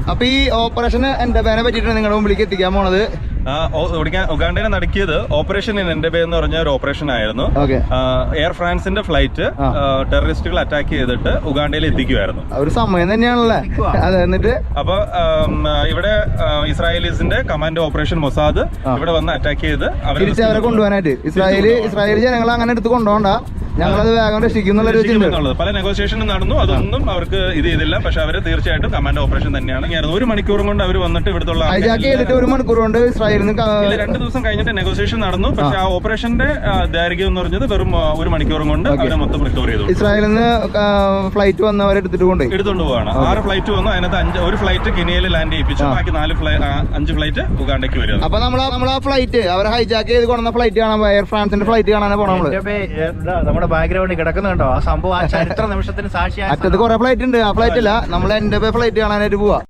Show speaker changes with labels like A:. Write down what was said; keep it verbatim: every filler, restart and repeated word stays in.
A: അപ്പൊ ഈ ഓപ്പറേഷൻ എന്റെ പേനെ പറ്റിയിട്ടാണ് നിങ്ങളുടെ മുമ്പിലേക്ക് എത്തിക്കാൻ പോണത്.
B: ഉഗാണ്ടയെ നടക്കിയത് ഓപ്പറേഷൻ ഇൻ എൻഡബെ എന്ന് പറഞ്ഞ ഒരു ഓപ്പറേഷൻ ആയിരുന്നു. എയർ ഫ്രാൻസിന്റെ ഫ്ലൈറ്റ് ടെററിസ്റ്റുകൾ അറ്റാക്ക് ചെയ്തിട്ട് ഉഗാണ്ടയിൽ എത്തിക്കുമായിരുന്നു.
A: ഒരു സമയം തന്നെയാണല്ലേ അതെ. എന്നിട്ട്
B: അപ്പൊ ഇവിടെ ഇസ്രായേലീസിന്റെ കമാൻഡോ ഓപ്പറേഷൻ മൊസാദ് ഇവിടെ വന്ന് അറ്റാക്ക് ചെയ്ത്
A: അവരെ കൊണ്ടുപോകാനായിട്ട് ഇസ്രായേൽ ഇസ്രായേൽ ജനങ്ങൾ അങ്ങനെ എടുത്ത് കൊണ്ടുപോകണ്ട, ഞങ്ങളത് വേഗം രക്ഷിക്കുന്നുള്ളത്.
B: പല നെഗോസിയേഷനും നടന്നു, അതൊന്നും അവർക്ക് ഇത് ചെയ്തില്ല. പക്ഷെ അവര് തീർച്ചയായിട്ടും കമാൻഡോ ഓപ്പറേഷൻ തന്നെയാണ്. ഒരു മണിക്കൂറും കൊണ്ട് അവർ വന്നിട്ട് ഇവിടുത്തെ
A: ഹൈജാക്ക് ചെയ്തിട്ട് ഒരു മണിക്കൂർ കൊണ്ട് ഇസ്രായേലിന്
B: രണ്ടു ദിവസം കഴിഞ്ഞിട്ട് നെഗോസിയേഷൻ നടന്നു. പക്ഷെ ആ ഓപ്പറേഷന്റെ ദൈർഘ്യം എന്ന് പറഞ്ഞത് വെറും ഒരു മണിക്കൂറും കൊണ്ട് അവരെ മൊത്തം റിക്കവർ ചെയ്തു.
A: ഇസ്രായേലിൽ നിന്ന് ഫ്ലൈറ്റ് വന്ന് അവരെ എടുത്തിട്ട് കൊണ്ട്
B: എടുത്തുകൊണ്ട് പോവാണ്. ആറ് ഫ്ലൈറ്റ് വന്നു. അതിനകത്ത് അഞ്ച് ഒരു ഫ്ലൈറ്റ് കെനിയയിൽ ലാൻഡ് ചെയ്യിപ്പിച്ചു. ബാക്കി നാല് അഞ്ച് ഫ്ലൈറ്റ് ഉഗാണ്ടയ്ക്ക് വരും.
A: അപ്പൊ നമ്മൾ നമ്മൾ ആ ഫ്ലൈറ്റ് അവരെ ഹൈജാക്ക് ചെയ്ത് കൊണ്ടുവന്ന ഫ്ലൈറ്റ് കാണാൻ എയർ ഫ്രാൻസിന്റെ ഫ്ലൈറ്റ് കാണാൻ പോകണം.
C: നമ്മുടെ ബാക്ക്ഗ്രൗണ്ടിൽ കിടക്കുന്നുണ്ടോ ആ സംഭവം? ആ ചരിത്ര നിമിഷത്തിന് സാക്ഷിയായ
A: അറ്റത്ത് കുറെ ഫ്ലൈറ്റ് ഉണ്ട്. ആ ഫ്ലൈറ്റ് അല്ല, നമ്മൾ എന്റെ ഫ്ലൈറ്റ് കാണാനായിട്ട് പോവാ.